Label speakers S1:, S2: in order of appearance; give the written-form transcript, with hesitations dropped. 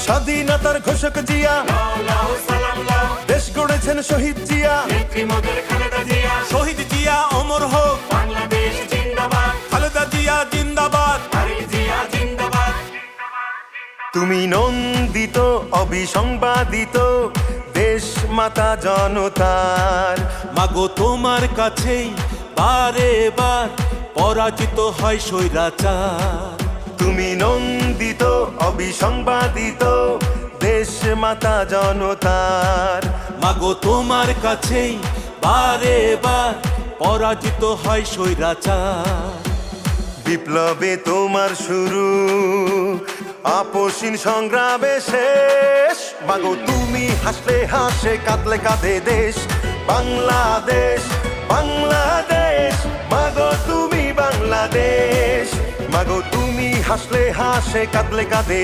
S1: স্বাধীনতার ঘোষক জিয়া, দেশ গড়েছেন শহীদ জিয়া,
S2: শহীদ জিয়া অমর হোক, খালেদা জিয়া জিন্দাবাদ।
S1: তুমি নন্দিত অবিসংবাদিত দেশ মাতা জনতার।
S2: মাগো তোমার কাছেই বারে বার পরাজিত হয় স্বৈরাচার।
S1: তুমি নন্দিত অবিসংবাদিত দেশ মাতা জনতার।
S2: মাগো তোমার কাছেই বারে বার পরাজিত হয় স্বৈরাচার।
S1: বিপ্লবে তোমার শুরু, আপসীন সংগ্রামে শেষ। মাগো তুমি হাসলে হাসে, কাঁদলে কাঁদে দেশ বাংলাদেশ, বাংলাদেশ। মাগো তুমি বাংলাদেশ, মাগো তুমি হাসলে হাসে, কাঁদলে কাঁদে